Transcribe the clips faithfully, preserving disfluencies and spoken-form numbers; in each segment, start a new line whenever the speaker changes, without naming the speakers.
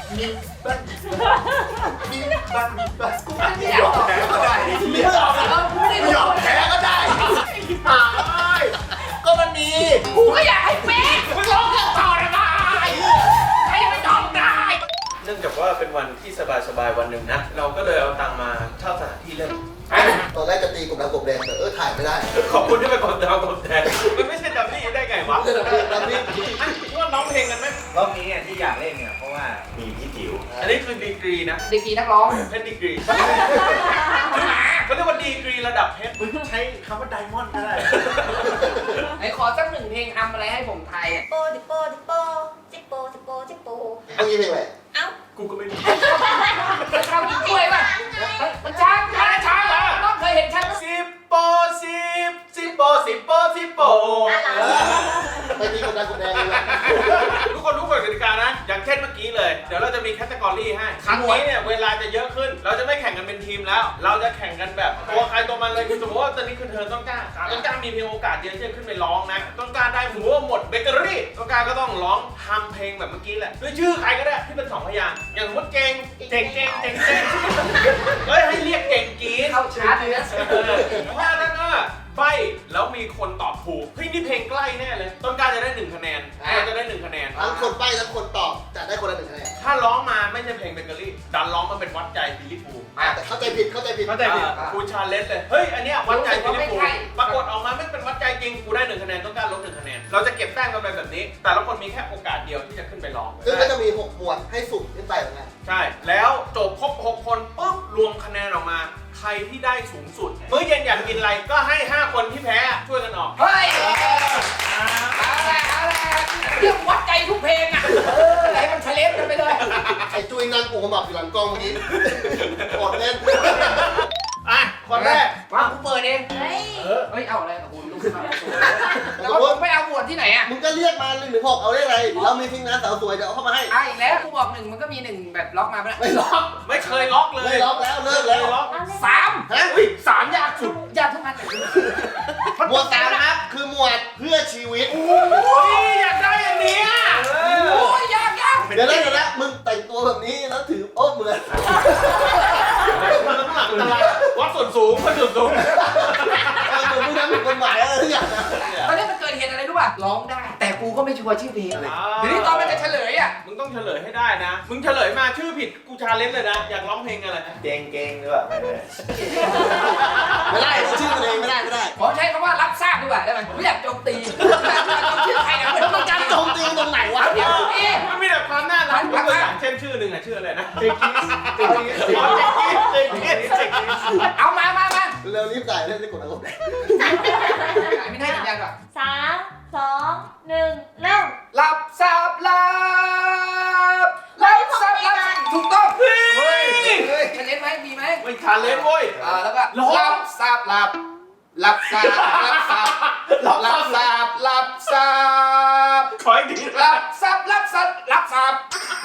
มีบ้านมีบ้านมีบ้านกูไม่
อย
อมแพ้ก็ได้ไม่ยอม
เออกูไม่ได้
ไม่ยอมแพ้ก็ได้หายก็มันมี
กูก็อยากให้เป็นมึงร้องเพลงต่อได้ไหมใครจะไปจองได้
เนื่องจากว่าเป็นวันที่สบายๆวันหนึ่งนะ เราก็เลยเอาตังค์มาเช่าสถานที่เล่น
ตอนแรกจะตีกบดำกบแดงแต่เออถ่ายไม่ได้
ขอบคุณที่ไปกดดาวกดแทนมันไม่ใช่ดัมมี่ได้ไงวะ
เรื่องนี้ดัมมี่
ว่าน้องเพลงกันไหม
รอบนี้ที่อยากเล่นเนี่ยเพราะว่ามีพี่จิ๋ว
อันนี้คือดีกรีนะ
ดีกรีนักร้อง
เพชรดีกรีเขาเรียกว่าดีกรีระดับเพชรใช้คำว่าไดมอนด์ก็ได้
ไหนขอสักหนึ่งเพลงทำอะไรให้ผมไทยอ่ะ
โปดิโปดิโปจิโปจิโปจิโป
เมื่อกี้เพลงอะไร
เอ้า
กูก็ไม่รู้
มันทำกินกล้วยป่ะมันช้างช้างช้างเหรอน้องเคยเห็นช้าง
สิบโปสิบสิบโปสิบโปสิบโป
ไปตีกบดำกบแดงเลยนะ
ทุกคนรู้กฎกติกานะ อย่างเช่นเมื่อกี้เลย เดี๋ยวเราจะมีแคตตากรีให้ ครั้งนี้เนี่ยเวลาจะเยอะขึ้น เราจะไม่แข่งกันเป็นทีมแล้ว เราจะแข่งกันแบบตัวใครตัวมันเลยคือสมมติว่าตอนนี้คือเธอต้องกล้าต้องกล้ามีเพียงโอกาสเดียวที่จะขึ้นไปร้องนะ ต้องกล้าได้หัวหมดเบเกอรี่ต้องกล้าก็ต้องร้องทำเพลงแบบเมื่อกี้แหละด้วยชื่อใครก็ได้ที่เป็นสองพยางค์อย่างสมมติเก่งเก่งเก่งเก่งเก่งเฮ้ยให้เรียกเก่งกรีด
เข้าชาร์จเลยนะ
เออถ้านั้นก็ใบแล้วมีคนตอบถูกเฮ้ยนี่เพลงใกล้แน่เลยต้นกล้าจะได้หนึ่งคะแนนเราจะได้หนึ่งคะแนน
ทั้งคนใบ้ทั้งคนตอบจะได้คนละหนึ่งคะแนน
ถ้าร้องมาไม่ใช่เพลงเบเกอรี่ดันร้องมาเป็นวัดใจบิลลี่ฟู
แต่เข้าใจผิดเข้าใจผิด
เข้าใจผิดกูชาเลนจ์เลยเฮ้ยอันเนี้ยวัดใจบิลลี่ฟูปรากฏออกมาไม่เป็นวัดใจจริงกูได้หนึ่งคะแนนต้องการลบหนึ่งคะแนนเราจะเก็บแต้มกันไปแบบนี้ แต่ละคนมีแค่โอกาสเดียวที่จะขึ้นไปร้อง
ซึ่งก็จะมีหกหมวดให้สุ่มขึ้นไปเหมือนกัน
ใช่แล้วจบครบหกคนปุ๊บรวมคะแนนออกมาใครที่ได้สูงสุดมื้อเย็นอยากกินอะไรก็ให้ห้าคนที่แพ้ช่วยกันออก
เฮ้ยเอาละเอาละเรื่องวัดใจทุกเพลงอ่ะเออให้มันเฉลฟกันไปเลย
ไอ้จุ้ยนั่งปูขมับอยู่หลังกล้องเมื่อกี้กดเล่น
อ่ะคนแรก
ว่ากูเปิดเอง
เฮ้ย
เฮ้ยเอาอะไรโอ้โหลุกขึ้นมาแล้วก็ไม่เอาบวชที่ไหนอ่ะ
มึงก็เรียกมาหนึ่งถึงหกเอาได้ไรเรามีทีมงานสาวสวยเดี๋ยวเอาเข้ามาให้
อ่ะอีกแล้วกูบอกหนึ่งมันก็มีหนึ่งแบบล็อกมาไม่ได้
ไม่ล็อก
ไม่เคยล็อกเลย
ไม่ล็อกแล้วเลิกแล้ว
ล็อก
สาม
ฮะ
อุ้ยสามยากสุด
ยากทุกอัน
หมวดสามนะครับคือหมวดเพื่อชีวิต
โอ้ยอยากได้อันเนี้ย
โอ้ยยากยาก
เดี๋ยวนะเดี๋ยวนะมึงแต่งตัวแบบนี้แล้วถือโอ๊ตเหมือน
มันต้องหลังตลาดวัดส่วนสูงวัดส่วนสูง
เออเหมือนมึงทำผิดกฎหมายอะไรทุกอย่างนะ
ตอนนี้มันเกิดเหตุอะไรรู้ป่ะร้องได้ แต่กูก็ไม่ชัวร์ชื่อเพลงอะไรเดี๋ยวนี้ตอนมันจะเฉลยอ่ะ
มึงต้องเฉลยให้ได้นะ มึงเฉลยมาชื่อผิดกูชาเลนจ์เลยนะ อยากร้องเพลงอะไร
เก่งเก่งหรือเปล่าไม่ได้
ไม่ได้ชื่อมันเองไม่ได้ไม่ได้
ขอใช้คำว่ารับทราบดีกว่าได้ไหมไม่อยากโจมตีชื่อใครนะ
แล้วมันการโจมตีตรงไหนวะ
เดี๋ยวเอ๊ะ
มันมีแต่ความน่ารักยกตัวอย่างเช่นชื่อหนึ่งอะชื่ออะไรนะเจคิสเจคิสเจคิสเจคิสเจคิส
เอามามามา
เร็วรีบจ่ายเล่นได้กดอารมณ์
ไม่ได้สัญญาณก่อน
สามสองหนึ่งเริ่ม
รับทราบรับรับทราบรับถูกต้อง
เฮ้ย
จะเล่นไหมมีไหม
ไม่ชาเลนจ์เว้ย
อ่าแล้วก็รับทราบรับรับทราบรับทราบรับทราบรับทราบ
ขออีกที
รับทรัพย์รับทรัพย์รับทรัพย์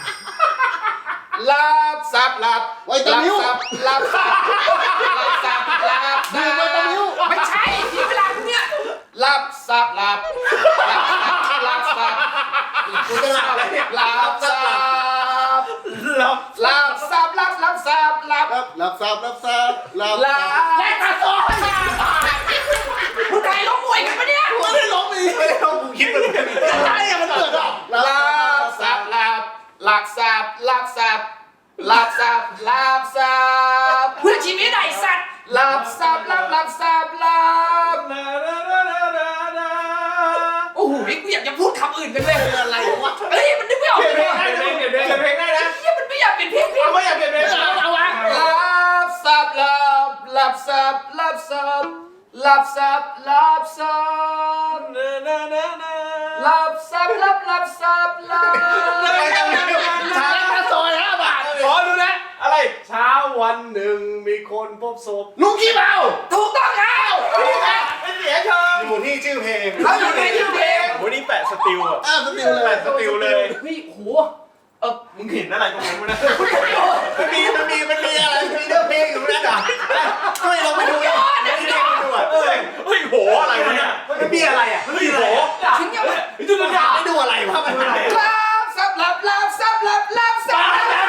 รับทรัพย์รับ
ไว้ตะมิ้ว
รับทรัพย์รับทรัพย์รับทรัพย์รับทรั
ดู
พย์
ไว้ตะมิ้ว
ไม่ใช่ที่เวลาเนี่ยรับทรัพย์รับรับทรัพย์
กูจะหลับอะไรเนี่ย
รับทรัพย์
รับ
รับทรัพย์รับรับทรัพย์รับ
รับรับทราบรับทราบรับ
รับและกระสอบผู้ใดล้มมวยกันปะเนี่ย
ไม่ได้ร้องดีไม่ได้ร้องกูคิดมันอะไรอะมันเกิดอ่ะ
รับทรัพย์รับรับทรัพย์รับทรัพย์รับทรัพย์รับทรัพย์เพื่อชีวิตไอ้สัตว์รับทรัพย์รับรับทรัพย์รับโอ้โหกูอยากจะพูดคำอื่นกันเลย
เป็นอะไรวะ
เฮ้ยมันนึกไม่ออก
เปลี่ยน
เล
เพล
ย
งได้นะเปลี่ยนเพลงได้นะ
เฮ้ยมันไม่อยากเป็นเพลงเพลง
เอาไม่อยากเปลี่ยนเพลงเอาเอาวะ
รับทรัพย์รับรับทรัพย์รับทรัพย์รับทรัพย์รับทรัพย์รับทรัพย์รับรับทรัพย์รับ
ชาตาซอยห้าบาท
ขอดูนะอะไรเช้าวันหนึ่งมีคนพบศพ
ลุงขี้เมา
ถูกต้องครับ
ไม่เสียเชิง
อยู่ที่ชื่อเพลง
เขาอยู่ในชื่อเพลง
วันนี้แปะสติลอ่ะ
อ้าวสติวเล
แปะ
ย
สติลเลย
เฮ้ยโหเออ
มึงเห็นอะไรตรงนั้นมั้ยนะ
มันมีมันมีมันมีอะไรมันมีเรื่องเพลงอยู่นั่นอ่ะช่วยเราไปดูเลยไม่ได้ไปดูอ่ะ
เฮ้ยเฮ้ยโหอะไรวะเนี่ย
มันมีอะไรอ่ะ
เฮ้ยโห
ถึงยังไง
ดูมันอยากไปดูอะไรวะมัน
รับทรัพย์รับรับทรัพย์รับรับทรัพย์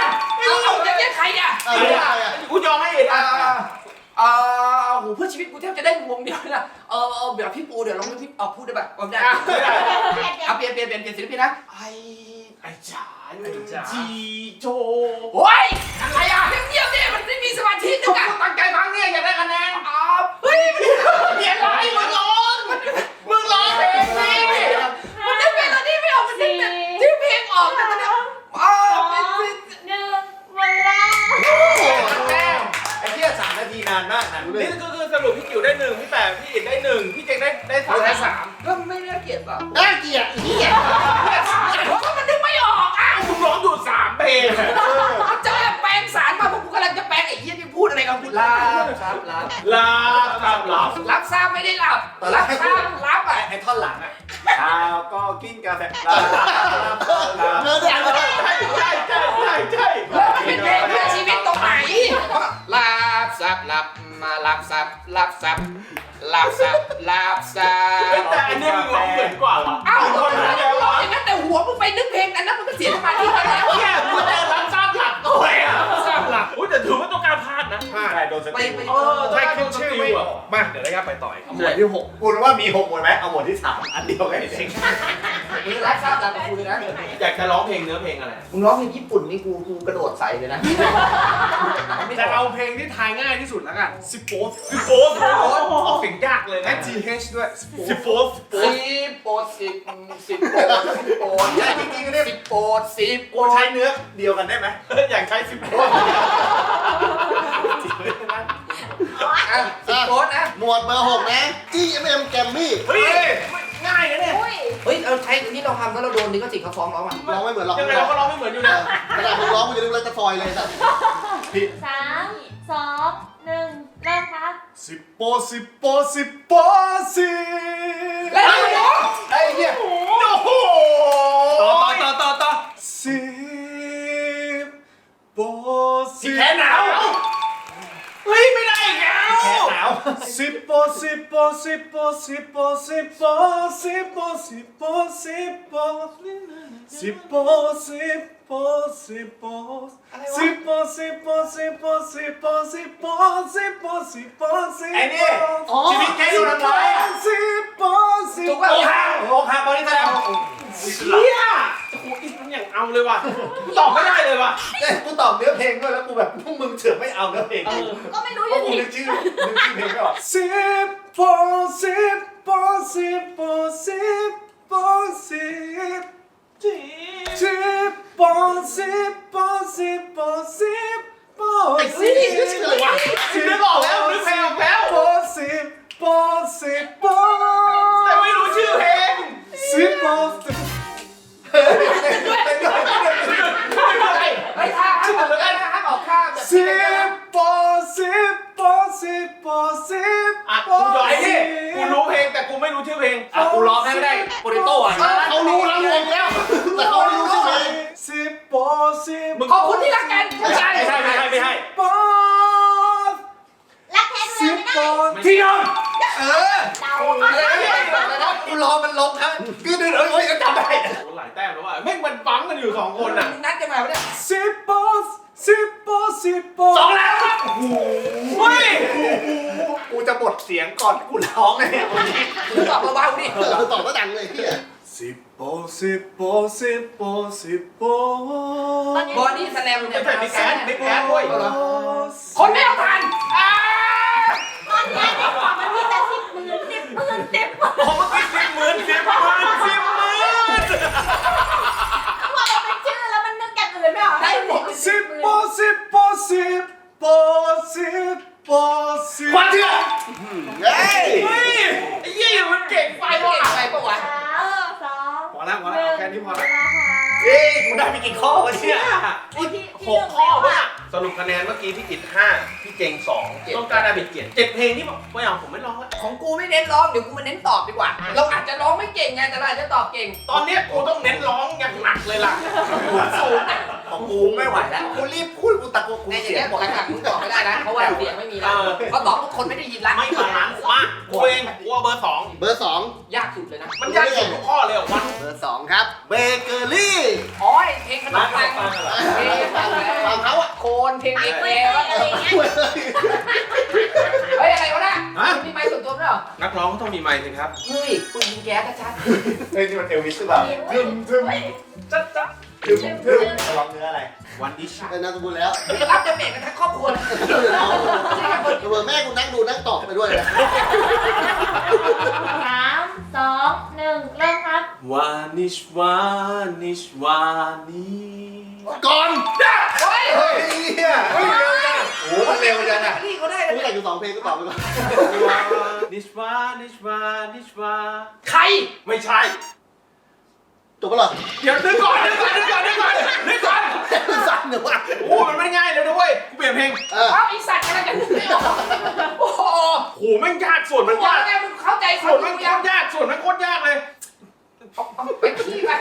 อ่าอ่าโหเพื่อชีวิตกูแทบจะได้วงเดียวนะเออเออแบบพี่ปูเดี๋ยวลองพี่เอาพูดได้ป่ะเอาได้เอาเปลี่ยนเปลี่ยนเปลี่ยนเปลี่ยนศิลปินนะไอ
ไอ้จ๋าจีโจ
โอ้ยอะไรอ่ะเงียบๆเนี่ยมันไม่มีสมาธินึกอ่ะ
ตั้งใจฟังเนี่ยอยากได้คะแนน
อ๋อเฮ้ย
เปลี่ยนไรมึงร้องมึงร้องเพลงสิ
มันนึกเพลงตอนนี้ไม่ออกมันนึกแต่ที่เพลงออกแต่ตอนนี้อ๋อ
สอง
เป็นเป็น
หนึ่งเวลา
แม่ไอ้เหี้ยสามนาทีนานมากนะดูดิ
นี่ก็คือสรุปพี่จิ๋วได้หนึ่งพี่แปะพี่อิดได้หนึ่งพี่เจงได้ได้สาม
ได้สามก็ไม่ได้เกลียดป่ะ
น่าเกลียดเหี้ย
เพราะมันนึกไม่ออกอ่ะ
มึงร้องอยู่สามเพลง
มันจะแปลงสารมาเพราะกูกำลังจะแปลงไอ้เหี้ยที่พูดอะไรกับกูลาครับลา
ลาตามหลับ
รับทราบไม่ได้หลับรับทราบรับอ่ะ
ไอ้ท่อนหลังอ่ะเช้าก็กินกาแฟลาลาเนื้อเดือดเลย
ใช่ใช่ใช่ใช่ใช่
แล้วมันเป็นเพลงเพื่อชีวิตตรงไหนรับทราบรับมารับทราบรับทราบรับทราบรับทราบ
แต่อันนี้มึงร้องเหมือนกว่าว่ะ
เอ้า
ค
คน
น
นั้
นั้น น
ร้
ร้
อ
อง ง
อย่างนั้นแต่หัวมึงไปนึกเพลงอันนั้นมันก็เสียสมาธิไปแล้ว
เนี่ยมึงจะรับทราบหลักด้วยอ่ะทราบหลักอุ้ยแต่ถือว่าต้องการพลาดนะ
ใช่โดนส
ไป
ติ
ไป
เออใช่ขึ้นชื่อไม่มาเดี๋ยวได้ครับไปต่อย
หมวดที่หกคุณว่ามีหกหมวดไหมเอาหมวดที่สามอันเดียวกันเอง
มึงรับทราบรับกับกูเลยนะ
อยากจะร้องเพลงเนื้อเพลงอะไร
มึงร้องเพลงญี่ปุ่นนี่กูกูกระโดดใส่เลยนะ
จะเอาเพลงที่ทายง่ายที่สุดแล้วกันสิบโป๊ส
สิโฟสออกเสียงยากเลย
และ
นะ
จี เอช ด้วยสิบโป๊
สิโฟส
สิบโปดสิบสิบโปดสิบโปด
ใช่จริงๆเนี่ย
สิบโปดสิบโป
กู
ด
ใช้เนื้อเดียวกันได้ไหม
อยากใช้สิโฟส
อ่ะสิบโปดนะ
หมวดเบอร์หกนะ จี เอ็ม เอ็ม แกมมี่
เฮ้ยง่ายนะเนี่ย
อุ้ย
เฮ้ย เอาใช้นี่เราทำแล้วเราโดนนี่ก็สิเขาฟ้องร้องอ่ะ
ร้องไม่เหมือนร้อง
ยังไงเราก็ร้องไม่เหมือนอยู่นะ
ขนาดมึงร้องมึงจะนึกอะไรจะซอยเลยสัตว์
สามสองหนึ่งเริ่มครับ
สิบโปสิบโปสิบโปสิ
แล้วเราร้อง
ไอ้เหี้ย
โอ้โห
ต่อต่อต่อต่อต่อสิบโปสิ
แค่หนาวเฮ้ยไม่ได้อีกแล้ว
แขนหนาว
สิบโปสิบโปสิบโปสิบโปสิบโปสิบโปสิบโปสิบโปสิบโปสิบโปสิบโปสิบโปสิบโปสิบโปสิบโปสิบโปสิบโปสิบโปสิบ
ไอ้นี่ชีวิตแค่ดูทำร้ายอ่ะ
สิบโปสิบ
ถูก
โป
ป่ะ
โอ้หักโอ้หักบอลนี่แสดง
เฮียโอ้โหอีกมันอย่างเอาเลยว่ะตอบไม่ได้เลยว่ะ
เอ้ยกูตอบเนื้อเพลงด้วยแล้วกูแบบพวกมึงเถื่อนไม่เอาเนื้อเพลง
เออ
ก็ไม่รู้
เพ
อ
ราะ
ยู่
กู
ดี
นึกชื่อนึกชื่อเพลงไม่ออก
สิบโปสิบโปสิบโปสิบโปสิบสิบโปสิบโปสิบโปสิบโป
ไอ้ซีนี่ชื่ออะไรวะ
นึกออกแล้วนึกเพลงออกแล้ว
โปสิบโปสิบโป
แต่ไม่รู้ชื่อเพลง
สิบโปสิบ
เฮ้ยท่าท่าออกท่าท่าออกท่าแบบ
สิบโปสิบโปสิบโปสิบ
อ่ะกูยอมไอ้นี่กูรู้เพลงแต่กูไม่รู้ชื่อเพลง
อ่ะกูร้องให้ไม่ได้โปรโต้อ่ะ
เขารู้แล้วงงแล้ว แต่เขาไม่รู้ชื่อเพลง
สิบโปสิบ
ขอบคุณที่รักกันไม่ใช่
ไม่ใช่ไม่ใช่ไม่ใช่
โป
รักแท้ดู
สิ
แล
บ
ไม่
โป
ได้
ที่ยอม
เออ
เดา
กูรอมันลงครับคือเดินเอ้ยเอ้ยจำได้
โอ้หลายแต้มแล้วว่ะแม่งมันฟังกันอยู่สองคนอ่ะ
นัดกันมาปะเนี่ย
สิบโปสิบโปสิบโป
สองแล้วครับ
เฮ้ย
กูจะบดเสียงก่อนกูร้องเลยเนี่ย
มึงตอบเบาๆดิ
เออตอบก็ดังเลยเฮีย
สิบโปสิบโปสิบโปสิบโป
บอดี้สแลมเนี่ย
ไม่ใช่บิ๊กแอดบิ๊กแอดด้วย
คนไม่เอาทันอ่า
ตอนนี้ในกล่องมันมีแต่สิบหมื่นสิบหมื่นสิบหมื่น
ผมเมื่อกี้สิบหมื่นสิบหมื่นสิบหมื่น
พอมันเป็นชื่อแล้วมันนึกอย่างอื่นไม่ออกได้หมด
สิบโปสิบโปสิบโปสิบโปสิบ
ควันเถื่อน
เฮ้ย
เฮ้ยไอ้เหี้ยมันเก่งไป
ไป
ว่ะ
ว่ะไปปะวะ
สามสอง
พอแล้วพอแล้วเอาแค่นี้พอแล้ว
เวลาค่ะ
เอ้ยกูได้ไปกี่ข้อวะเนี่ย
ไอ้ที่
ห
ที่
ก
หนึ่ง
ข้อ
แล้ว
ป่ะ
อ่ะ
สรุปคะแนนเมื่อกี้พี่จิตห้าพี่เจงสองต้องการได้เป็นเจ็ดเจ็ดเพลงที่บอกไม่เอาผมไม่ร้องแล้ว
ของกูไม่เน้นร้องเดี๋ยวกูมาเน้นตอบดีกว่า เราอาจจะร้องไม่เก่งไงแต่เราอาจจะตอบเก่ง
ตอนเนี้ยกูต้องเน้นร้องอย่างหนักเลยล่ะสูง
ของกูไม่ไหวแล้วกูรีบพูดกูตะโกนกู
ในอย่าง
เสีย
เงี้
ง
ย
หมด
หลังๆมึงตอบไม่ได้นะ เพราะว่าเสียงไม่มีแล้วเขาตอบทุกคนไม่ได้ยินละ
ไม่บาลานซ์มากกูเองกูเอาเบอร์สอง
เบอร์สอง
ยากสุดเลยนะ
มันยากสุดทุกข้อเลยเหรอวะ
เบอร์สองครับ เบเกอรี่
อ๋อเพลงขนมปังเพลงขนมปัง
ฟังเขาอ่ะ
โคนเพลงเอก
ไม่
แอ
ใช่
ร์
อะไรเงี้ย
เฮ้ยอะไรวะน่ะมีไมค์ส่วนตัวด้วยเหรอ
นักร้องก็ต้องมีไมค์สิครับ
เฮ้ยปืนยิงแก๊สชัด
เฮ้ยนี่มันเอลวิสหรือเปล่า
ทึมทึม
จัดจัด
ทึมทึมร้องเนื้ออะไร
วันดิช
เป็นนามสกุลแล้ว
ๆเฮ้ยรับดาเมจกันทั้งครอบครัวเลยไม่ใช่แค่คน
เผื่อแม่กูนั่งดูนั่งตอบไปด้วยนะ
สามสองหนึ่งเริ่มครับ
วานิชวานิชวานิ
ก่อน
เฮ้ย
เฮ้ยเฮียเฮ้ยเร็วจังโอ้โหมันเร็วจังอ่ะ
นี่เขาได้
กู
เลย
แต่งอยู่สองเพลงก็ตอบไปก่อน
นิชวานิชวานิชวา
ใคร
ไม่ใช่
จบปะเหรอ
เดี๋ยวนึกก่อนนึกก่อนนึกก่อนนึกก่อนนึกก่อน
สั่นเดี๋ยวว่ะ
โอ้มันไม่ง่ายเลยด้วยกูเปลี่ยนเพลง
เออ
เอาไอสัตว์อะไรกันไม่ออกโอ้โห
โหแม่งยากส่วนมัน
บอก
ยาก
แล้วไงมึงเข้าใจ
ส่
เขา
วน
อ
มัน
ยู่
โค
ยัง
ตรยากส่วนมันโคตรยากเลย
เอาเอาไปขี้ไป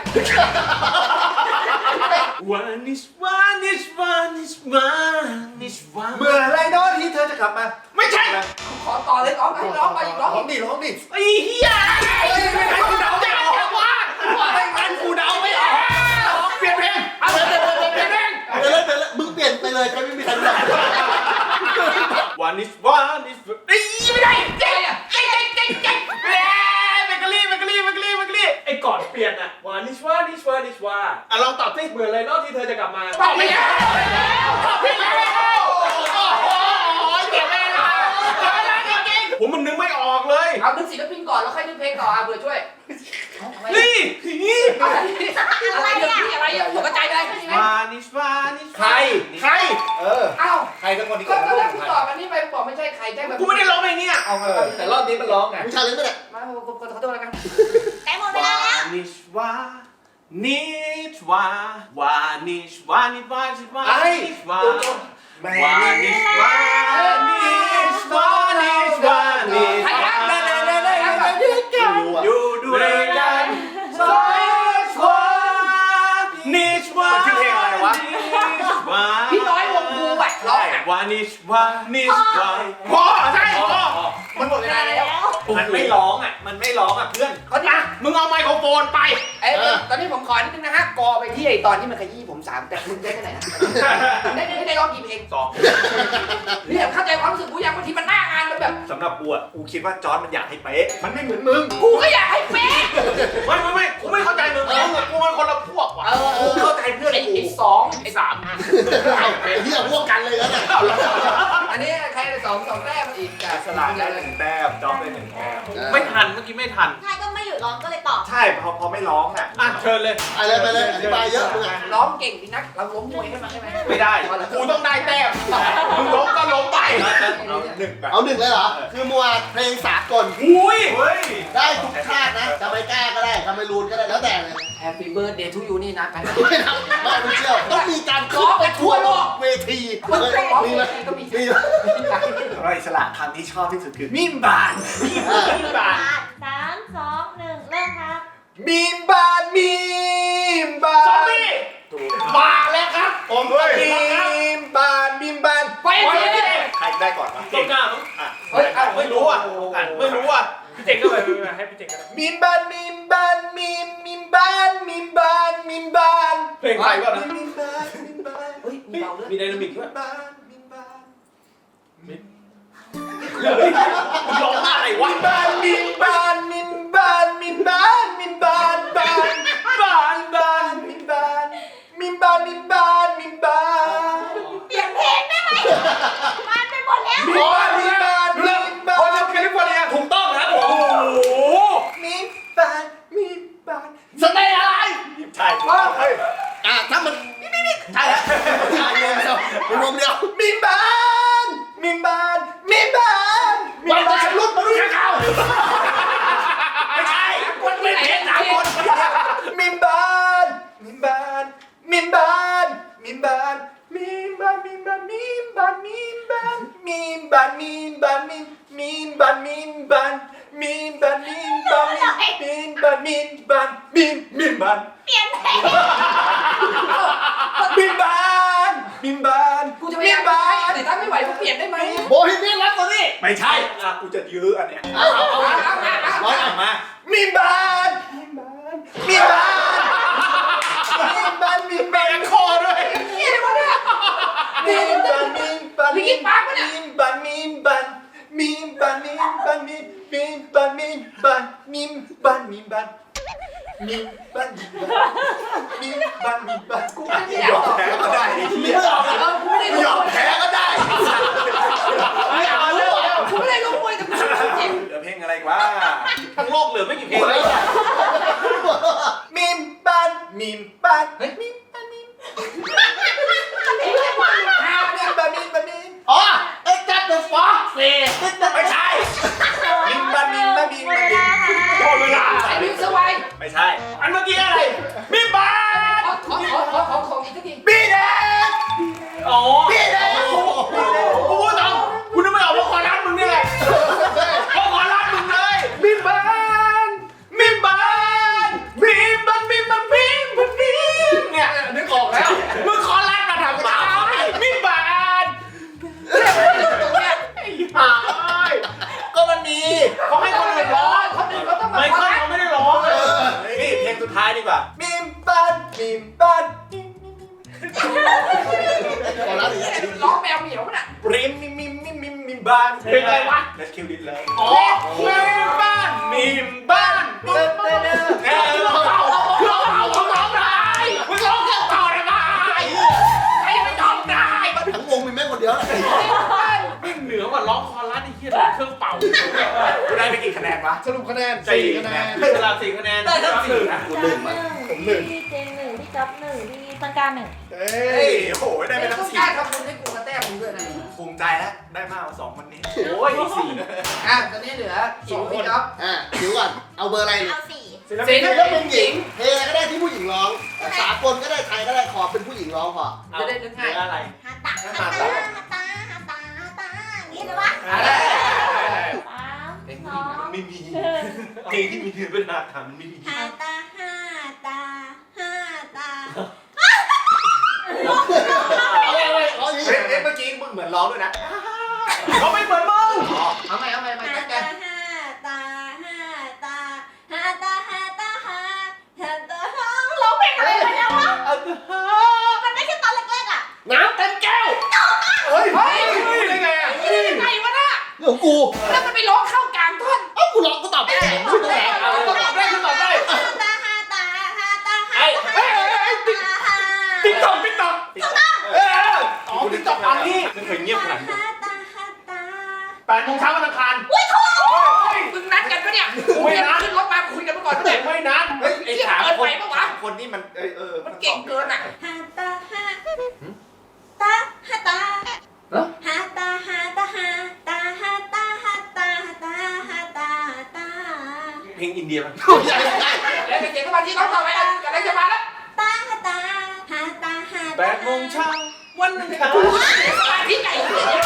วานิชวานิชวานิชวานิชวา
เมื่อไรเนาะที่เธอจะกลับมา
ไม่ใช่
ขอต่อเลยร้องไปร้องไปร้อง
ร้องดิร้องดิ
ไอ้เหี้ยไม่งั้นกูเดาไม่ออกว่าไม่งั้นกูเดาไม่ออกเปลี่ยนเพลง
เอาเลยเปลี่ยนเพลง
ไปเลยไปเลยมึงเปลี่ยนไปเลยใครไม่มีใครรู้หรอก
วานิชวานิชไอ้ไม่ได้
เจ๊อะเจ๊เจ๊เจ๊เจ๊
แม่เบเกอรี่เบเกอรี่เบเกอรี่เบเกอรี่
ไอ้ก่อนเปลี่ยนอะวานิชวานิชวานิชวา
อ่ะลองตอบสิ
เหมือนเลยเนอกที่เธอจะกลับมา
ตอบไม่ได้
ตอบไปแล้วโอ้โหเจ็บเลยนะผมมันนึกไม่ออกเลย
เอานึกศิลปินก่อนแล้วค่อยนึกเพลงต่ออ่ะเผื่อช่วย
นี่
อะไรอะไรเนี่ยพี่อะไรอ่ะตกใจไปเลยใช่ไหม
วานิชวานิช
ใคร
ใคร
เออ
เอ้า
ใครสักคนที่
ก็
เกิด
ก็
มา
ถ้าคุณตอบอันนี้ไปบอกไม่ใช่ใครใช่แบบ
กูไม่ได้ร้องเพลงเนี่ย
เอาเออแต่รอบนี้มันร้องไง
มึงชาเลนจ์ไหมเนี่ย
มาขอโทษแล้วกัน
ใกล้หมดเวลาแล้ว
นิชวานิชวาวานิชวานิชวานิชวา
ไอ้
นิชวา
แม่
วานิชวานิชวานิชวานิช
ใคร
วา
ครับ
เน่เน่เน่เน่เน่
ไม่รู้อ่ะ
อยู่ด้วยกันสองคนนิชวา
ชื่อเพลงอะไรวะ
นิชวา
พี่น้อยวงครูอ่ะร้องอ่ะ
วานิชวานิชวาพ่อใช่พ่อ
มันหมดเวลาแล้ว มันไม่ร้องอ่ะ มันไม่ร้องอ่ะเพื่อน
ก็นี่
อ่ะมึงเอาไมโครโฟนไป
เอ้ยตอนนี้ผมขอนิดนึงนะฮะกอไปที่ไอ้ตอนที่มันขยี้ผมสามแต่มึงได้แค่ไหนนะได้ได้ได้ร้องกี่เพลง
สอง
เนี่ยเข้าใจความรู้สึกกูยังบางทีมันหน้างานมันแบบ
สำหรับกูอ่ะ กูคิดว่าจอร์ดมันอยากให้เป๊ะ มันไม่เหมือนมึง
กูก็อยากให้เป๊ะ
ไม่ไม่ไม่กูไม่เข้าใจมึงมึงกับกูมันคนละพวกว่ะ
เออ
กูเข้าใจเพื่อน
ไอ้
กู
ไอ้สองไอ้สาม
เอาไอ้เหี้ยพวกกันเลยนะเนี่ย
อันนี้ใครสองสองแต้มอีกกับ
สลากได้หนึ่งแต้มจอร์ดได้หนึ่งแต้ม
ไม่ทันเมื่อกี้ไม่ทัน
ใช่ก็ไม่หยุดร้องก็เลยตอบ
ใช่พอพอไม่ร้องอ่ะ
อ่ะเชิญเลย
ไปเลยไปเลยอธิบายเยอะมึงอ่ะ
ร้องเก่งดีนักเราล้มมวยให้มันใช่ไหม
ไม่ได้ กูต้องได้แต้มมึงล้มก็ล้มไป
เอาหนึ่งแบบ
เอาหนึ่งเลยเหรอ คือมัวเพลงสากล
อุ้ย
เฮ้ย
ได้ทุกชาตินะจะไปกล้าก็ได้ทำไมรูนก็ได้แล้วแต่เลย
แฮปปี้เบิร์ดเดย์ทูยูนี่นะกัน
ไม่ทำไม่ไม่เชื่อต้องมีการขึ้นไปทั่วโลกเวที
มัน
เฮ้ย
ร้อง
มี
เพ
ไหม
ลงก็มี
มีไหม
เราอิสระคำที่ชอบที่สุดคือมิมบาน
มีบาน
สามสองหนึ่งเริ่มครับ
มิมบานมิมบาน
ซอมบี้มาแล้วครับ
ผมมิมบานมิมบาน
ไปเลย
ใครได้ก่อนวะ
ต้นกล้ามั้ง
อ่ะ
เฮ้ย
ไม่รู้อ่ะอ่ะไม่รู้อ่ะ
พี่เจ๋งก็ไปไปไปให้พี่เจ๋งก็ได้
มิมบานมิมบานมิมมิมบานมิมบานมิมบาน
เพลงไทยก่อนนะ
มิมบานมิมบาน
เฮ้ยมีเบาด้วย
มีไดนามิกด้วย
บานมิมบาน
ร้องอะไรวะ
บานมิมบานมิมบานมิมบานมิมบานบานบานบานมิมบานมิมบานมิมบานมิมบาน
เปลี่ยนเพลงได้ไหมมันไปหมดแล้ว
มิมบานมิมบานมิมบา
โอ้
น
ยแคลิฟอร์เนียถูกต้องครับโอ้โห
มิมบานมิมบาน
สเตย์อะไร
ใช่ว่าเฮ้ย
อ่ะถ้ามันใช่แล้วใช่วงเดียวเป็นวงเดียว
มิมบานมิมบานมิมบานมิมบานลุกมาลุกเขา
ไม่ใช่
คนที่ไหนสามคน
มิมบานมิมบานมิมบานมิมบานมิมบานมิมบานมิมบานมิมบานมิมบานมิมบานมิมมิมบานมิมบานมิมบานมิมบานมิมบานมิมบานมิมมิมบาน
เปลี่ยนเพลง
มิมบานมิมบาน
กูจะพยายาม
บา
ให้
น
แต่ถ้าไม่ไหวกูเปลี่ยนได้ไหม
โบฮีเมียนรักตัวนี้
ไม่ใช่อ่ะกูจะยื้ออันเนี้ย
เอาเอาเอา
เอาเอาเอา
ร้อยอ่ะ
มามิมบานมิมบานมิมบานมิมบานมิม
แบ
บาน
งคอด้วย
เหี้ยอะไรวะเนี่ย
มิมมีมบันมีมบันมีมมีมบันมีมบันมีมบันมีมบันมีมบันมีมบันมีมบันมีมบันกูไม่ยอมแพ้ก็ได้ไอ้เหี้ย
เออกูไม่ได้
ไม่ยอมแพ้ก็ได้
ไม่อยากเอาเร็วกูไม่ได้รู้มวยแต่กูเจ็บ
เหลือเพลงอะไรวะ
ทั้งโลกเหลือไม่กี่เพลงเลย
มีมบันมีมบันมีมบันมีม
ห้าเนี่ย
บันมีมบันมีม
อ๋อเอ็กซ์จัดเดอะฟ็อกซ์สี่
ไม่ใช่มีมบันมีมบันมีม
หม
บั
ด
น
เว
มี
ลาม ค่ะ
หมดเวลา
ไอ้บิ๊กสวาย
ไม่ใช่
อันเมื่อกี้อะไรมีบา
ขอขอขอขอขอของอีกที
บีแดง
อ๋อ
บีแดง
กูพูดตรงกูนึกไม่ออกว่าคอรัสมึงเนี่ยเพราะคอรัสมึงเลยมีบานมีบานมีบันมีบันมีบันมีเนี่ยนึกออกแล้วมึงคอรัสมาทำไมมีบาน
ตรงเนี้ย
ไอ้ห่าเอ้ย
ก็มันมี
เขาให้คนอื่นร้อง
คนอื่นเขาต้องมา
ไมเคิลเขาไม่ได้ร้อง
เออนี่เพลงสุดท้ายดีกว่ามีมบันมีมบัน
ขอรับอีกที
ร้องแมวเหมียวน่ะ
ริมมิมมิมมิมมิมมิมบ้าน
เพลงอะไรวะ
Let's kill it เลย
อ๋อมีบ้านมีบ้าน
เต้นเต้นเต้น
เออเราเก่าเราเก่าเราร้องได้มึงร้องเก่าเก่าได้ไหมใครจะไปร้องได้
ทั้งวงมีแม่คนเดียวแหละ
ไม่เหนือกว่าร้องคอรัสไอ้เหี้ยร้องเครื่องเป่า
กูได้ไปกี่คะแนนวะ
สรุปคะแนน
สี่
สี่
คะ
คะ
แน
แน
น
น
เวลาสี่คะแนน
ได้ทั้งสี่นะ
กูหนึ่งมา
ผมหนึ่งพี่เจนหนึ่งพี่จ๊อบหนึ่งพี่ต้นกล้าหนึ่ง
เฮ้
เฮ้
ย
ยโอ้โหได้ไปทั้ง
ต้อง
สี่
การทำบุญให้กูกระแต้มึงด้วยนะ
ภูมิใจแล้วได้มากกว่าสองคนนี้
โอ้ยนี่สี่
อ่ะตอนนี้เหลือสองพี่จ๊อบ
อ่ะเดี๋ยวก่อนเอาเบอร์อะไรเนี่ย
เอาสี่
ศิล
ศิ
ปิน
ลปินหญิงเพลงก็ได้ที่ผู้หญิงร้องสากลก็ได้ไทยก็ได้ขอเป็นผู้หญิงร้องพอ
จะได้นึก
เห
ง่าย
ลืออะไร
ฮาตาฮาตาฮาตาฮาตาฮาตาอย่างนี้เลยวะ
อะไร
สามสอง
ไม่มีเพลงที่มีเนื้อเป็นอาถรรพ์ไม่มี
ฮาตาฮาตาฮาตา
เอาเลยเอาอีก
เฮ้ยเอ้ยเมื่อกี้มึงเหมือนร้องด้วยนะ
เขาไม่เหมือนมึง
เอาใหม่เอาใหม่ใหม่
ฮา
ตั้งใจ
ตาฮาตาฮาตาฮาตาฮาตาฮาฮาตาฮาร้องเพลงอะไรไปแล้ววะมันไม่ใช่ตอนแรกๆอ่ะ
น้ำเต็มแก้ว
เฮ้ย
เฮ้ย
ได้ไงอ่ะ
นี่ยังไงวะน่ะ
เรื่องของกู
แล้วมันไปร้องเข้ากลางท่อน
เอ้ากูร้องกูตอบไม่ได้ไม่ต้องแหลก
เอาตอบได้คือตอบได้
ฮาตาฮาตาฮาตาฮา
ไอ้
ตา
เฮ้ยเฮ้ยเฮ้ยติ๊ก
ฮา
ติ๊กต๊อกติ๊กต๊อกเอออ๋อติ๊กต๊อกอันนี้
ไม่เคยเงียบขนาดนี้
ฮาตาฮาตา
แปดโมงเช้าวันอังคาร
อุ้ยถูก
มึงนัดกันปะเนี่ยกูไม่นัดขึ้นรถมาคุยกันเมื่อก่อนปะ
เด็
เนี่ย
กไม่นัด
เฮ้ยไอ้สาม
เกิน
ค
ไป
น
ปะวะ
สามคนนี่มันเออเออ
มันเก่งเกินอ่ะ
ฮาตาฮาตาฮาตาฮาตาฮาตาฮาตาฮาตาฮาตาฮาตาฮาตาตา
เพลงอินเดียมัน
แล้วเด็กๆก็มาที่ร้องต่อไปกันกำลังจะมาแล้ว
ตาฮาตาฮาตาฮา
แปดโมงเช้าวันอังคาร
สมาธิไหน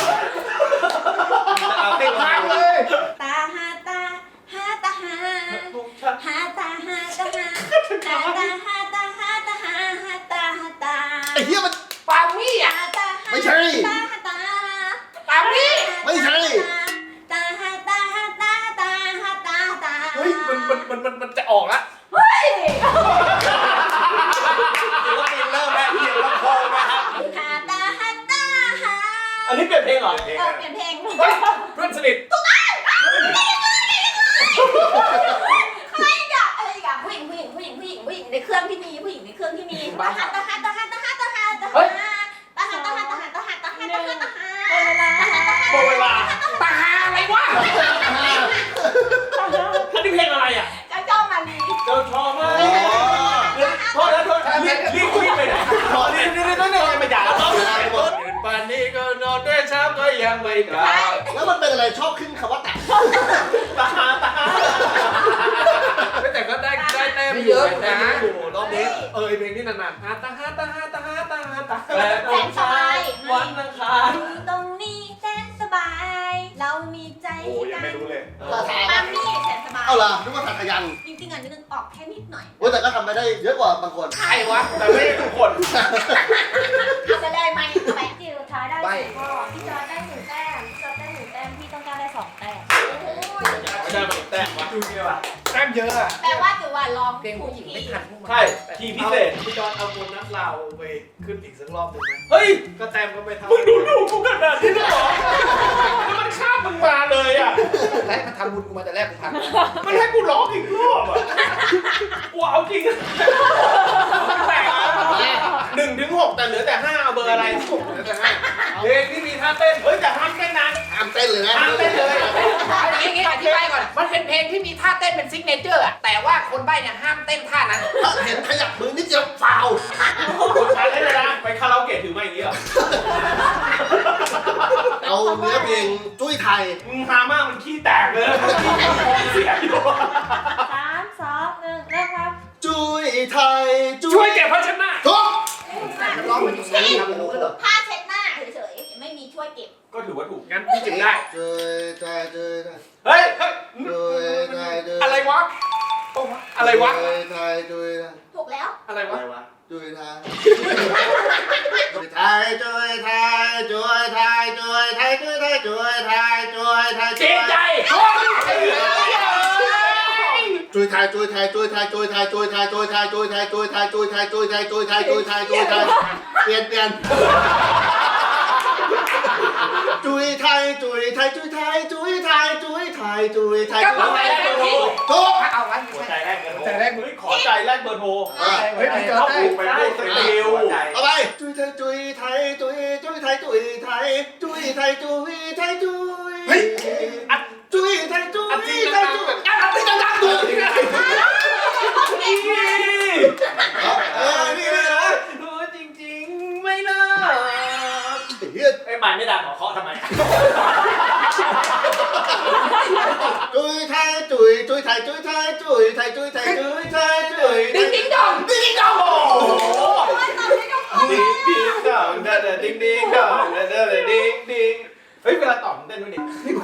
เอาเพลงมาเลย
ตาฮาตาฮาตาฮา
แปดโมงเช้า
ฮาตาฮาตาฮาฮาตาฮาตาฮาตาฮาฮาตาฮาตา
ไอ้เหี้ยมัน
ปาวี่อ่ะ
ฮาตาฮา
ไม่ใช่
ตาฮาตา
ปาวี่
ไม่ใช่
ตาฮาตาฮาตาตาฮาตาตา
เฮ้ยมันมันมันมันมันจะออกละ
เฮ้ย
ศิลปินเริ่มแล้วเรียงลำโพงนะครับ
ฮาตาฮาตาฮา
อันนี้เปลี่ยนเพลงเหรอ
เพลง
เออ
อะ
เปลี่ยนเพลง
เฮ้ยเพื่อนสนิท
อะไรอีกอะอะไรอีกอะผู้หญิงผู้หญิงผู้หญิงผู้หญิงผู้หญิงในเครื่องที่มีผู้หญิงในเครื่องที่มีตาฮาตาฮาตาฮาตาฮาตาฮาตาฮาตาฮาตาฮาตาฮาตาฮาตาฮาตาฮาตาฮาตาฮา
หมดเวลา
ตาหาอะไรวะ
อันนี้เพลงอะไรอ่ะ
เจ้าเจ้ามาลี
เจ้าชอบมาก
อ๋อ
โทษนะโทษรีบรีบรีบไปไหนรอรีบรีบรีบรีบรีบไปด่าเขาตื่นป่านนี้ก็นอนด้วยเช้าก็ยังไม่กลับ
แล้วมันเป็นอะไรชอบขึ้นคำว่าตัด
ตาตาแต่ก็ได้ได้แต้มเยอะนะรอบนี้เออเพลงนี้นานๆฮาตาฮาตาฮาตาฮาตาฮาตาแต่ตอนเช้าวันอังคาร
อยู่ตรงนี้แสนสบาย เรามีใจ
โอ้ยังไม่รู้เลย
ตาทา
ปามี่แสนสบาย
เอาล่ะนึกว่าตัดขยัน
จริงๆอ่ะนึกออกแค่นิดหน่อย
โอ้ยแต่ก็ทำไปได้เยอะกว่าบางคน
ใครวะ
แต่ไม่ได้ทุกคน
เอาไปเลยไหมเอาไปจิ๋วท้ายได้สี่ข้อพี่จอร์จได้หนึ่งแต้มพี่จอร์จได้หนึ่งแต้มพี่ต้องการได้สองแต้ม
ไม่ได้มาแต้มวะ
ดูนี่ว่ะ
แต้มเยอะอะ
แปลว่าจิ๋วว่าลอง
เพลงผู้หญิงไม่ทันพวกมัน
ใช่ทีพิเศษ
พี่จอนเอาโบนัสเราไปขึ้นอีกสักรอบหนึ่งไหม
เฮ้ย
ก็แต้มก็ไปเท่า
มึงดูดูกูขนาดนี้เลยเหรอแล้วมันข้ามมึงมาเลย
ไรมันทำบุญกูมาแต่แรกกูทำ
มันให้กูร้องอีกรอบอ่ะกูเอาจริงมันแปลกนะหนึ่งถึงหกแต่เหลือแต่ห้าเอาเบอร์อะไรเหลือแต่ห้าเพลงที่มีท่าเต้นเฮ้ยแต่ห้ามเต้นนาน
ห้ามเต้นเลยนะ
ห้ามเต้นเลย
อย่างงี้อธิบายก่อนมันเป็นเพลงที่มีท่าเต้นเป็นซิกเนเจอร์อะแต่ว่าคนใบ้เนี่ยห้ามเต้นท่านั้น
เห็นขยับมือนิดเดียวฟาว
คนใช้ได้เลยนะไปคาราโอเกะถือมาอย่างนี้เหรอ
เอาเนื้อเพลงจุ้ยไทย
มึงฮามากมันขี้แตกเลยเสียอยู่
สามสองหนึ่งเริ่มครับ
จุ้ยไทยจุ้
ช่วยเก็บภาชนะ
ทุก
ร้องมันอยู่นี่ทำรู้เลยเหรอ
ผ้าเช็ดหน้าเฉยๆไม่มีช่วยเก็บ
ก็ถือว่าถูกงั้นพี่เก็บได้
จุ้ยไทยจุ้ยไทย
เฮ้ยเฮ้ย
จุ้ยไทยจุ้ย
อะไรวะอะไรวะ
จุ้ยไทยจุ้ยไทย
ถูกแล้ว
อะไรวะ
จุ้ยไทยจุ้ยไทยจุ้ยไทยจุ้ยไทยจุ้ยไทยจุ้ยไทยจุ้ยไทยจุ้ยไทย
เจ๊ใจ
จุ้ยไทยจุ้ยไทยจุ้ยไทยจุ้ยไทยจุ้ยไทยจุ้ยไทยจุ้ยไทยจุ้ยไทยจุ้ยไทยจุ้ยไทยจุ้ยไทยจุ้ยไทยจุ้ยไทยเปลี่ยนเปลี่ยนจุ้ยไทยจุ้ยไทยจุ้ยไทยจุ้ยไทยจุ้ยไทยจุ้ยไทย
ก็
จุ้
เอา
ย
ไป
ไทย
แล้วพี่
ทุก
เอาไว้
หัวใจ
ใช่
แรกเบอร์โทร
ใจแรก
เฮ้ยขอใจแรกเบอร์โทร
เฮ้ยพี่เจอ
เขา
ได้
ผูกไปพูดสติล
เอาไปจุ้ยไทยจุ้ยไทยจุ้ยจุ้ยไทยจุ้ยไทยจุ้ยไทยจุ้ยไทยจุ้ยเฮ้ยจุ้ยไทยจุ้ยไทยจุ้ยอ่ะตีดังๆดูเออนี่เลยนะ
จริงๆไม่เลิก
เฮีย
ไอ้หมายไม่ดังหรอเคาะทำไม
จุ้ยไทยจุ้ยจุ้ยไทยจุ้ยไทยจุ้ยไทยจุ้ยไทยจุ้ยไทยจุ้ย
ดิ้งดิ้งดอง
ดิ้งดอง
ดิ้งดิ้งดองเด้อดิ้งดิ้งดองเด้อดิ้งดิ้งเฮ้ยเวลาตอบเต้นด้วยดิ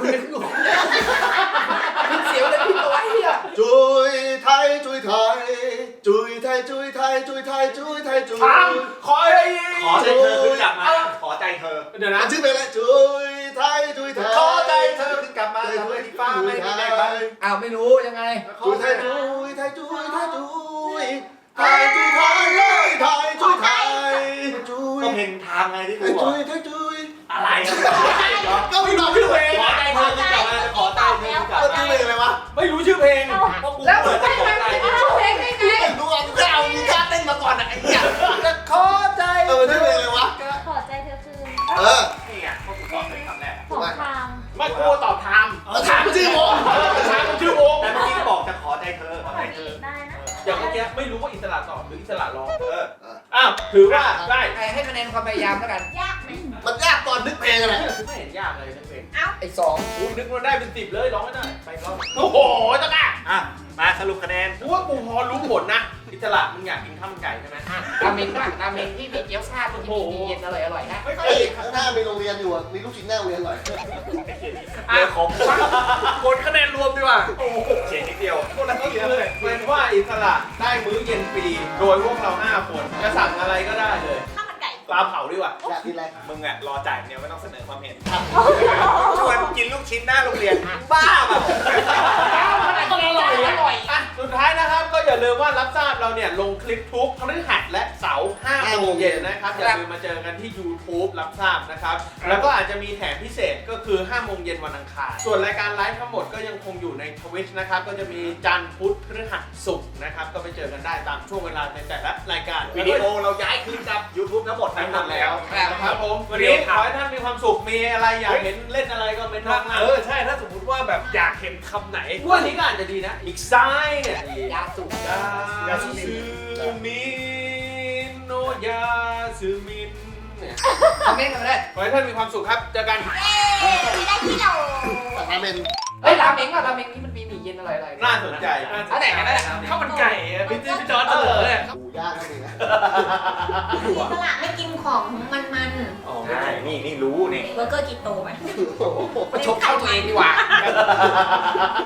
มันเสียวเลยพี่ตัวเฮีย
จุ้ยไทยจุ้ยไทยจุ้ยไทยจุ้ยไทยจุ้ยไทยจุ้ยไทยจุ้ย
ทำขอให้ขอใจเธอขึ้นกลับมาขอใจเธอเดี๋ยวนะ
ชื่อเพลงอะไรจุ้ยไทยจุ้ยไทย
ขอใจเธอขึ้นกลับมาทำให้ที่ฟ้าไม่มีแรงบ้าง
อ้าวไม่รู้ยังไง
จุ้ยไทยจุ้ยไทยจุ้ยไทยจุ้ยไทยจุ้ยไทยเลยไทยจุ้ยไทยจุ้ย
ก็เพลงทางไงที่กู
จุ้ยไทยจุ้ย
อะไร
ก็ไม่บอกชื่อเพลง
ขอใจเธอขึ้นกลับมาจะขอใจเธอขึ้นกลับ
ก็ชื่อเพลงอะไรวะ
ไม่รู้ชื่อเพลงเพราะกู
แล้ว
เปิดจะ
ไม่
ขอ
ไม่
ใจ
ไม่รู้เพลงได้ไง
ดูเอาดูเอามีท่าเต้นมาก่อนอะไอ้เหี้ย
จะขอใจ
เออชื่อเพลงอะไรวะ
ขอใจเธอคืน
เออ
นี่ไงเพราะกูตอบเป็นคำแรก
ของทาง
ไม่กูตอบไทม์
เออถามชื่อวง
ไทม์มันชื่อวงแต่เมื่อกี้บอกจะขอใจเธอขอใจเธอ
ได้นะ
อย่างเมื่อกี้ไม่รู้ว่าอิสระตอบหรืออิสระร้องเอออ้าวถือว่าได้
ให้คะแนนความพยายามแล้วกัน
ยากไหม
มันยากตอนนึกเพลงอะไร
ไม่เห็นยากเลยทั้งเพลง
ไอ้สอง
กูนึกว่าได้เป็นสิบเลยร้องไม่ได้ไปร้องโอ้โหจ้าก้าอ่ะมาสรุปคะแนนกูว่ากูพอรู้ผลนะอิสระมึงอยากกินข้าวมันไก่ใช่ไหม
ราเมงบ้างราเมงที่มีเกี๊ยวซ่าที่มีเย็นอร่อยอร่อยนะ
ไม่เค
เฮ้
ย
ยข้างหน้ามีโรงเรียนอยู่อะมีลูกชิ้นหน้าโรงเรียนอร่อย
อ่ะของผลคะแนนรวมดีกว่าโอ้โหเฉียดนิดเดียวก็คือเป็นว่าอิสระได้มื้อเย็นฟรีโดยพวกเราห้าคนจะสั่งอะไรก็ได้เลย
ข้าวมันไก่
ปลาเผาดีกว่า
อยากกินอะไร
มึงอ่ะรอจ่ายเนี่ยไม่ต้องเสนอความเห็นชวนกินลูกชิ้นหน้าโรงเรียนบ้าแบบ
มันอร่อยอร่อย
อ่ะสุดท้ายนะครับก็อย่าลืมว่ารับทราบเราเนี่ยลงคลิปทุกพฤหัสและเสาร์ห้าโมงเย็นนะครับอย่าลืมมาเจอกันที่ YouTube รับทราบนะครับแล้วก็อาจจะมีแถมพิเศษก็คือห้าโมงเย็นวันอังคารส่วนรายการไลฟ์ทั้งหมดก็ยังคงอยู่ใน Twitch นะครับก็จะมีจันทร์พุธพฤหัสศุกร์นะครับก็ไปเจอกันได้ตามช่วงเวลาในแต่ละรายการวิดีโอเราย้ายคืนกับ YouTube ทั้งหมดทั้งหมดแล้วครับผมวันนี้ขอให้ท่านมีความสุขมีอะไรอยากเห็นเล่นอะไรก็เป็นท่าเออใช่ถ้าสมมติว่าแบบอยากเห็นคำไหนวันนี้ก็อาจจะดีนะอีกซ้ายเนี่ย
ยาสูบ
ยาซึมินโนยาซึมินเนี่ย
คอมเมนต์กันมาได้
ขอให้ท่านมีความสุขครับเจอกัน
เอ๊ะไม่ได้ที่เรา
แต่ราเมน
เฮ้ยราเมงอ่ะราเมงนี่มันมีหมี่เย็นอร่อยอร่อย
น่าสนใจ
อันไหนกันได้ข้าวมันไก่
พี่จิ๊บพี่จอร์จเฉลย
หมูย่างนั่นเองนะ
อิสระไม่กินของมัน
อ๋อใช่นี่นี่รู้นี่
ๆเบอร์เกอร์กิโตไป
มาชกเข้าตัวเองดีกว่า